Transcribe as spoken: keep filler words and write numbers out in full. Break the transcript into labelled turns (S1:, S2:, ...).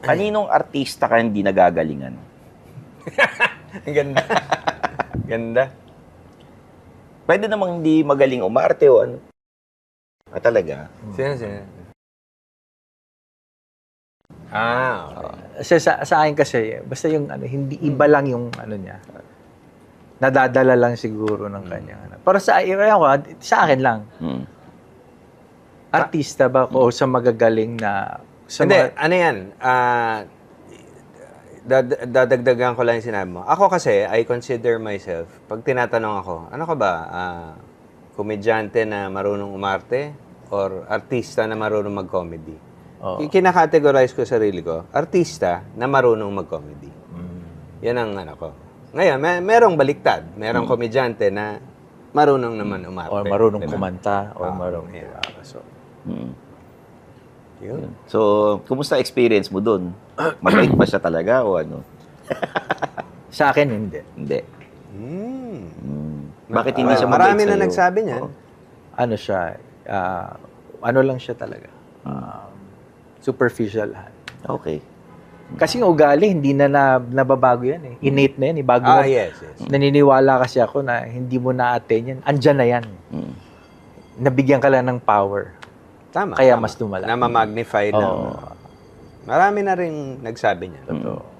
S1: Kaninong artista ka hindi nagagalingan?
S2: Ang ganda. Ganda.
S1: Pwede namang hindi magaling umarte o ano. Ah, talaga?
S2: Sino, sino? Ah, okay.
S3: Kasi sa, sa akin kasi, basta yung ano, hindi iba lang yung ano niya. Nadadala lang siguro ng kanyang ano. Pero sa, ewan ko, sa akin lang.
S1: Hmm.
S3: Artista ba ako o sa magagaling na... Sa
S2: Hindi,
S3: mga-
S2: ano yan? Ah, dad- dadagdagan ko lang yung sinabi mo. Ako kasi, I consider myself, pag tinatanong ako, ano ka ba? Ah, komedyante na marunong umarte or artista na marunong mag-comedy?
S3: Oo.
S2: Kinakategorize ko sarili ko, artista na marunong mag-comedy. Yan ang ano ko. Ngayon, may, merong baliktad. Merong komedyante na marunong naman umarte.
S3: o marunong
S2: Diba?
S3: kumanta o
S2: Ah,
S3: marunong...
S2: yeah.
S3: diba? So,
S1: Hmm.
S2: Yun.
S1: So, kumusta experience mo dun? Mabait ba siya talaga o ano?
S3: sa akin, hindi.
S1: Hindi.
S2: Mm.
S1: Hmm. Bakit hindi siya mabait
S2: Marami na
S1: sa'yo?
S2: nagsabi niyan.
S1: Oo.
S3: Ano siya, ah, ano lang siya talaga. Ah, superficial.
S1: Okay.
S3: Kasi yung ugali, hindi na, na nababago yan eh. Innate na yan eh. Bago
S2: Ah,
S3: na-
S2: yes, yes.
S3: Naniniwala kasi ako na hindi mo na-attain yan. Andyan na yan.
S1: Hmm.
S3: Nabigyan ka lang ng power.
S2: Tama.
S3: Kaya
S2: tama.
S3: mas lumala.
S2: Na ma-magnify ng...
S3: Oo.
S2: Marami na rin nagsabi niya.
S3: Totoo.